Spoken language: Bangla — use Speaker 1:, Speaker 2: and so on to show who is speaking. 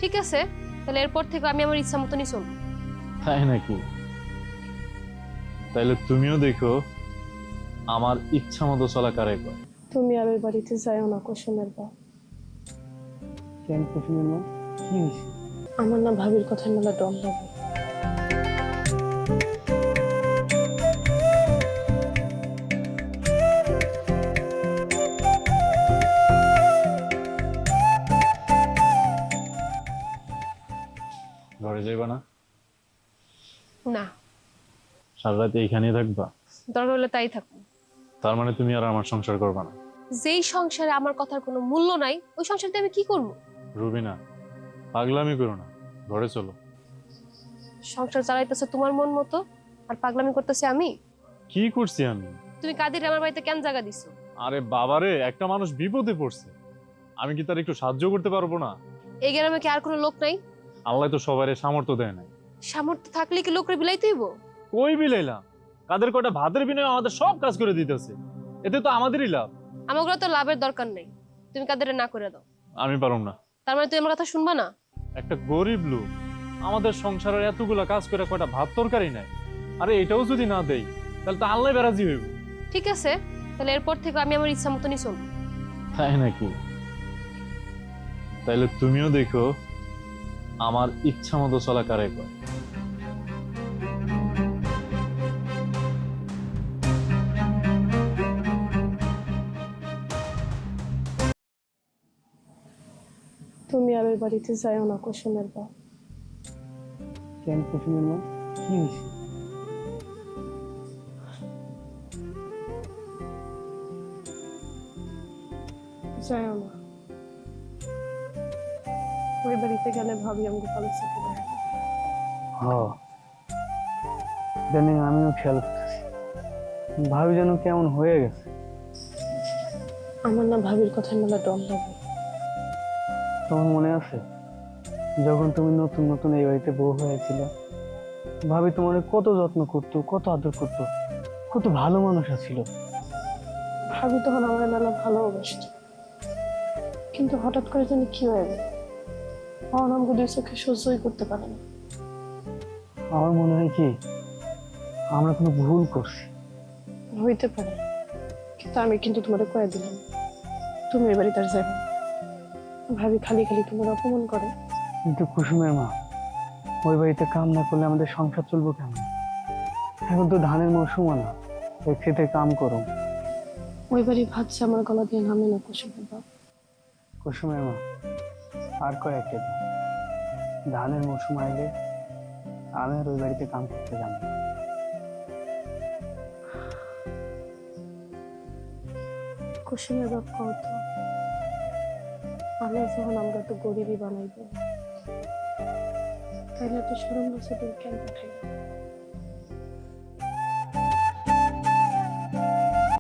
Speaker 1: ঠিক আছে, তাহলে এরপর থেকে আমি আমার ইচ্ছা মতনই চলবো।
Speaker 2: তাই নাকি? তাইলে তুমিও দেখো আমার ইচ্ছা মতো চলা কারে কয়।
Speaker 3: তুমি আর ওই বাড়িতে যাইও না কুসুমের বাপ।
Speaker 4: কেন কুসুমের মা, কি হয়েছে?
Speaker 3: আমার না ভাবির কথা মেলা ডর লাগে।
Speaker 2: ঘরে যাইবা না?
Speaker 1: না,
Speaker 2: সারা রাত এইখানেই থাকবা?
Speaker 1: দরকার হলে তাই থাকবো।
Speaker 2: তার মানে তুমি আর আমার সংসার করবা না?
Speaker 1: যেই সংসারে আমার কথার কোনো মূল্য নাই, ওই সংসারতে আমি কি করবো?
Speaker 2: রুবিনা, পাগলামি করো না, ঘরে চলো।
Speaker 1: সংসার চালাইতেছে তোমার মন মতো, আর পাগলামি করতেছে আমি।
Speaker 2: কি করছি আমি?
Speaker 1: তুমি কাদের আমার বাড়িতে কেন জায়গা দিছো?
Speaker 2: আরে বাবারে, একটা মানুষ বিপদে পড়ছে, আমি কি তার একটু সাহায্য করতে পারবো না?
Speaker 1: এই গ্রামে কি আর কোনো লোক নাই?
Speaker 2: আল্লাহ তো সবারই সামর্থ্য দেয় নাই।
Speaker 1: সামর্থ্য থাকলে কি লোকের বিলাইতে হইব?
Speaker 2: কই বিলাইলাম? কাদের কয়টা ভাতের বিনিময়ে আমাদের সব কাজ করে দিতেছে, এতে তো আমাদেরই লাভ।
Speaker 1: আমাগুলো তো লাভের দরকার নেই, তুমি কাদের না করে দাও।
Speaker 2: আমি পারুম না।
Speaker 1: তার মানে তুমি আমার কথা শুনবা না?
Speaker 2: একটা গরিব লোক আমাদের সংসারের এতগুলা কাজ করে কয়টা ভাত তরকারি নাই, আরে এটাও যদি না দেই তাহলে তো আল্লাহ বেরাজি হইব।
Speaker 1: ঠিক আছে, তাহলে এরপর থেকে আমি আমার ইচ্ছা মতনই চলবো।
Speaker 2: তাই নাকি? তাইলে তুমিও দেখো আমার ইচ্ছা মতো চলা কারে কয়।
Speaker 3: তুমি আর ওই বাড়িতে যাইও না কুসুমের বাপ।
Speaker 4: কেন কুসুমের মা, কি হয়েছে?
Speaker 3: যাইও না। ওই বাড়িতে গেলে ভাবি আমাকে ভালো চোখে দেখে।
Speaker 4: ইদানিং আমিও খেয়াল করতেছি, ভাবি যেন কেমন হয়ে গেছে।
Speaker 3: আমার না ভাবির কথা মেলা ডর লাগে।
Speaker 4: তোমার মনে আছে যখন তুমি নতুন নতুন এই বাড়িতে বউ হয়েছিল, ভাবি তোমার কত যত্ন করতো, কত আদর করতো, কত ভালো মানুষ ছিল।
Speaker 3: ভাবি তখন আমার মেলা ভালোবাসত, কিন্তু হঠাৎ করে জানি কি হয়ে গেল, আমার আমাকে দুই চোখে সহ্যই করতে পারে না।
Speaker 4: আমার মনে হয় কি আমরা কোনো ভুল করছি।
Speaker 3: হইতে পারে, কিন্তু আমি কিন্তু তোমার কয়ে দিলাম তুমি এ বাড়িতে আর যাবে না। ভাবি খালি খালি তোমার অপমান করে।
Speaker 4: কিন্তু কুসুমের মা, ওই বাড়িতে কাম না করলে আমাদের সংসার চলবো কেমন? এখন তো ধানের মৌসুম না, ওই খেতে কাম করো।
Speaker 3: ওই বাড়ি ভাবছে আমার গলা দিয়ে নামে না কুসুমের বাপ।
Speaker 4: কুসুমের মা, আর কয়েকটা দিন ধানের মৌসুম আইলে আমি আর ওই বাড়িতে কাম করতে যাবো।
Speaker 3: কুসুমের বাপ কত আল্লাহ যখন আমরা তো গরিবই বানাইব, তাইলে তো সরম বছর কেন পাঠাই।